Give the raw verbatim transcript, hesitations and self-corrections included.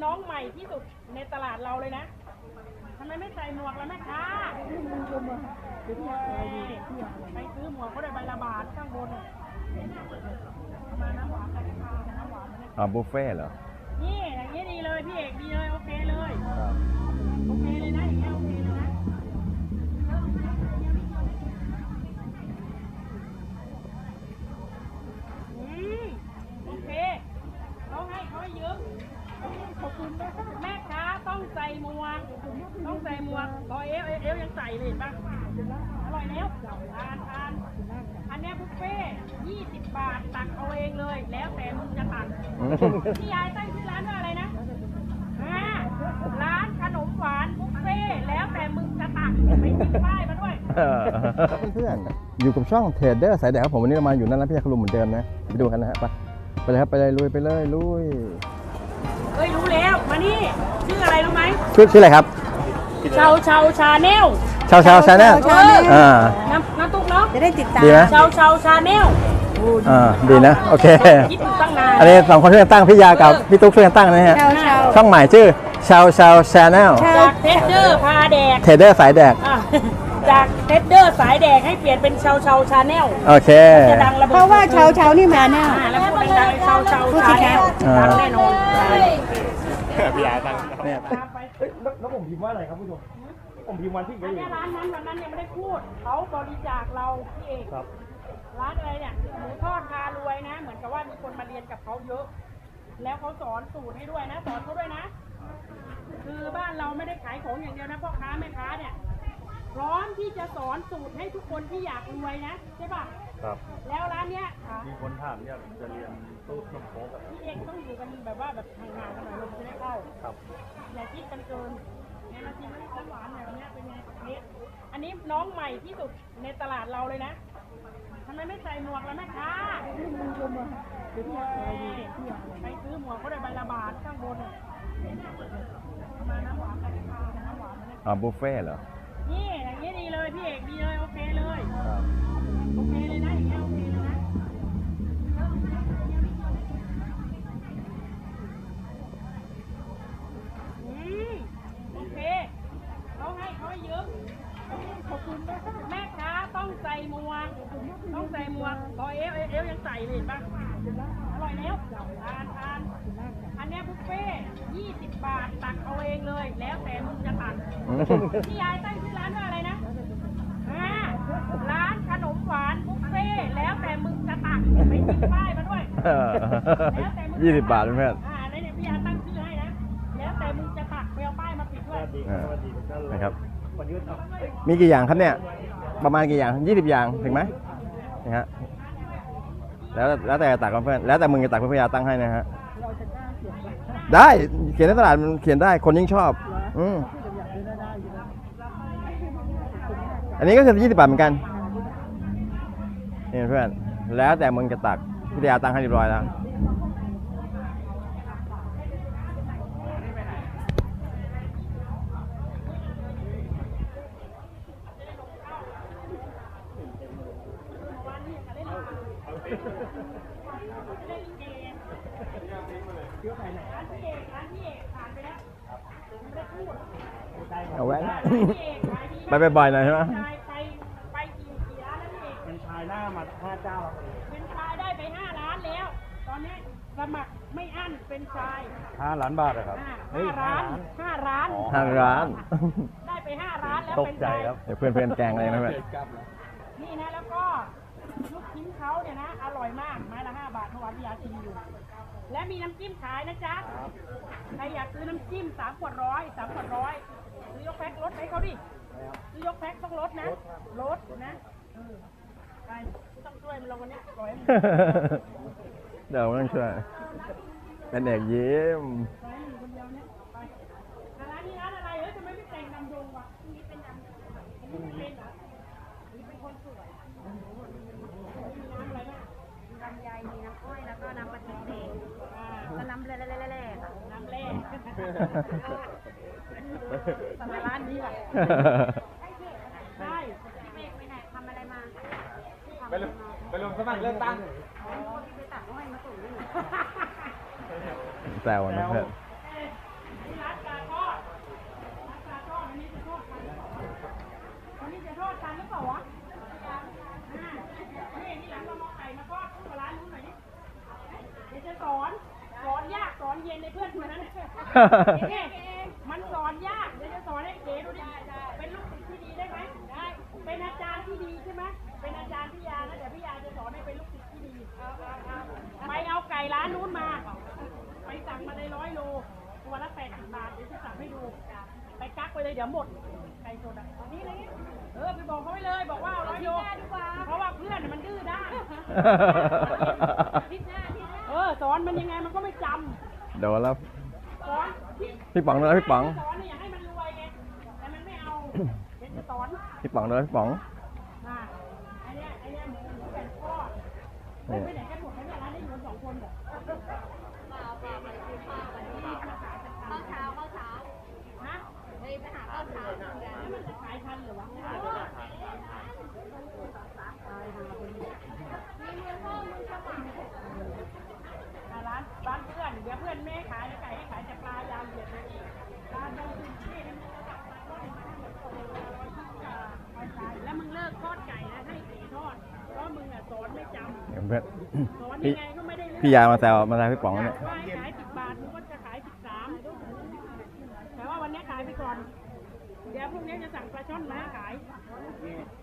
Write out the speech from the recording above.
น้องใหม่ที่สุดในตลาดเราเลยนะทำไมไม่ใส่หมวกล่ะแม่ค้าไปซื้อหมวกเขาได้ใบละบาทข้างบนมาน้ำหวานกันค่ะน้ำหวานอ๋อบุฟเฟ่เหรอนี่อย่างนี้ดีเลยพี่เอกดีเลยโอเคเลยโอเคเลยนะอย่างเงี้ยโอเคเลยนะอืมโอเคเขาให้เขาให้เยอะขอบคุณแม่ค้าต้องใส่หมวกต้องใส่หมวกรอเอฟเอฟยังใส่เลยป่ะอร่อยแล้วทานทานอันนี้บุฟเฟ่ยี่สิบบาทตักเอาเองเลยแล้วแต่มึงจะตักพี่ยายตั้งชื่อร้านว่าอะไรนะอ่าร้านขนมหวานบุฟเฟ่แล้วแต่มึงจะตักไปติดป้ายมาด้วยเพื่อนๆอยู่กับช่องเทรดเดอร์สายแดดครับผมวันนี้เรามาอยู่นั่นแล้วพี่ยาคลุมเหมือนเดิมนะไปดูกันนะฮะไปไปเลยครับไปเลยลุยไปเลยลุยเฮ้ยรู้แล้วมานี่ชื่ออะไรรู้ไหมชื่อชื่ออะไรครับชาวชาวชาแนลชาวชาวชาแนลอ่าน้ำน้ำตุ๊กเนาะจะได้ติดตามชาวชาวชาแนลอ่าดีนะโอเคคิดอยู่ตั้งนานอันนี้สองคนช่วยกันตั้งพี่ยากับพี่ตุ๊กช่วยกันตั้งนะฮะช่องใหม่ชื่อชาวชาวชาแนลจากเทสเดอร์พาแดกเทรดเดอร์สายแดกจากเทสเดอร์สายแดกให้เปลี่ยนเป็นชาวชาวชาแนลโอเคจะดังระเบิดเพราะว่าชาวชาวนี่มาแน่แล้วพูดดังๆชาวชาวชาแนลดังแน่นอนพี่ยาตั้งเนี่ยแล้วผมพิมพ์ว่าอะไรครับผู้ชมผมพิมพ์วันที่อันนี้ร้านนั้นวันนั้นยังไม่ได้พูดเขาบริจาคเราพี่เอกครับร้านอะไรเนี่ยหมูทอดพารวยนะเหมือนกับว่ามีคนมาเรียนกับเขาเยอะ แล้วเขาสอนสูตรให้ด้วยนะสอนเขาด้วยนะคือบ้านเราไม่ได้ขายของอย่างเดียวนะพ่อค้าแม่ค้าเนี่ยพร้อมที่จะสอนสูตรให้ทุกคนที่อยากรวยนะใช่ป่ะครับแล้วร้านเนี้ยมีคนถามอยากจะเรียนตู้ขนมโค้กพี่เอกต้องอยู่กันแบบว่าแบบห่างๆกันหน่อยลมจะได้เข้าครับอย่าคิดกันเกินเนี่ยมาชิมน้ำหวานแบบนี้เป็นไงนี่อันนี้น้องใหม่ที่สุดในตลาดเราเลยนะทำไมไม่ใส่หมวกล่ะแม่ค้าไปซื้อหมวกเขาได้ใบละบาทข้างบนมาน้ำหวานกันค่ะน้ำหวานอ๋อบุฟเฟ่เหรอนี่อย่างนี้ดีเลยพี่เอกดีเลยโอเคเลยโอเคเลยนะอย่างเงี้ยโอเคเลยนะอืมโอเคเขาให้เขาให้เยอะขอบคุณแม่ค้าต้องใส่หมวกต้องใส่หมวกรอเอฟเอฟยังใส่เลยป่ะอร่อยแล้วทานทานอันนี้บุฟเฟ่ยี่สิบบาทตักเอาเองเลยแล้วแต่มึงจะตักพี่ยายตั้งชื่อร้านว่าอะไรนะอ่าร้านขนมหวานบุฟเฟ่แล้วแต่มึงจะตักไปติดป้ายมาด้วยยี่สิบบาทเพื่อนอ่าในเนี่ยพี่ยาตั้งชื่อให้นะแล้วแต่มึงจะตักไปเอาป้ายมาปิดด้วยนะครับมีกี่อย่างครับเนี่ยประมาณกี่อย่างยี่สิบอย่างถึงไหมนะฮะแล้วแล้วแต่ตักเพื่อนแล้วแต่มึงจะตักเพื่อนพี่ยาตั้งให้นะฮะได้เขียนในตลาดมันเขียนได้คนยิ่งชอบอืมอันนี้ก็คือยี่สิบบาทเหมือนกันนี่เพื่อนแล้วแต่มึงจะตักพี่ยาตั้งให้เรียบร้อยแล้วเอาไว้ไปไปบ่อยหน่อยใช่ไหมไปไปกี่กี่ร้านแล้วพี่เป็นชายหน้ามาห้าเจ้าเป็นชายได้ไปห้าร้านแล้วตอนนี้สมัครไม่อั้นเป็นชายห้าล้านบาทครับห้าร้านห้าร้านห้าร้านได้ไปห้าร้านแล้วตกใจครับเดี๋ยวเพื่อนเพื่อนแกงเลยนะเพื่อนนี่นะแล้วก็ลูกชิ้นเขาเนี่ยนะอร่อยมากไม้ละห้าบาทเมื่อวานพี่ยาชิมอยู่และมีน้ำจิ้มขายนะจ๊ะใครอยากซื้อน้ำจิ้มสามขวดร้อยสามขวดร้อยซื้อยกแพ็คลดให้เขาดิซื้อยกแพ็คต้องลดนะลดนะไปต้องช่วยมันลงวันนี้ปล่อยเดี๋ยวต้องช่วยเป็นเด็กยิ้มร้านนี้ร้านอะไรเฮ้ยทำไมไม่แต่งดำดงวะนี่เป็นดำนี่เป็นเหรอนี่เป็นคนสวยมีน้ำอะไรบ้างมีลำไยมีน้ำอ้อยแล้วก็น้ำปลาทิเศษก็น้ำแร่แร่แร่น้ำแร่สมัยร้านนี้แหละใช่พี่เมฆไปไหนทำอะไรมาไปลงไปลงสมัครเลือกตั้งไปตัดอ้อยมาส่งนี่แซวนะเพื่อนสอนสอนยากสอนเย็นในเพื่อนคนนั้นเก๋มันสอนยากเดี๋ยวจะสอนให้เก๋ดูดิเป็นลูกศิษย์ที่ดีได้ไหมได้เป็นอาจารย์ที่ดีใช่ไหมเป็นอาจารย์พี่ยานะเดี๋ยวพี่ยาจะสอนให้เป็นลูกศิษย์ที่ดีไปเอาไก่ร้านนู้นมาไปสั่งมาเลยร้อยโลตัวละแปดสิบบาทเดี๋ยวจะสั่งให้ดูไปกักไปเลยเดี๋ยวหมดไก่สดอ่ะนี่เลยเออไปบอกเขาไปเลยบอกว่าร้อยโลเพราะว่าเพื่อนมันดื้อด้านเออสอนมันยังไงมันก็ไม่จำโดนแล้วสอนพี่ป๋องโดนแล้วพี่ป๋องสอนเนี่ยอยากให้มันรวยไงแต่มันไม่เอาเป็นจะสอนพี่ป๋องโดนแล้วพี่ป๋องมาไอเนี้ยไอเนี้ยหมูหมูแผ่นทอดไม่ไปไหนกันหมดแล้วเนี่ยร้านนี้อยู่สองคนเหรอข้าวเช้าข้าวเช้าฮะไปไปหาข้าวเช้าแล้วมันจะขายทันเหรือวะร้านร้านเพื่อนเดี๋ยวเพื่อนแม่ขายไก่ให้ขายแต่ปลายาวเหยียดเลยร้านเราคือที่แล้วมึงเลิกทอดไก่นะให้เก๋ทอดเพราะมึงอ่ะสอนไม่จำเพื่อนสอนพี่ยังไงก็ไม่ได้เรื่องพี่ยามาแซวมาแซวพี่ป๋องเนี่ยว่าขายสิบบาทมึงก็จะขายสิบสามแต่ว่าวันนี้ขายไปก่อน เดี๋ยวพรุ่งนี้จะสั่งปลาช่อนมาให้ขาย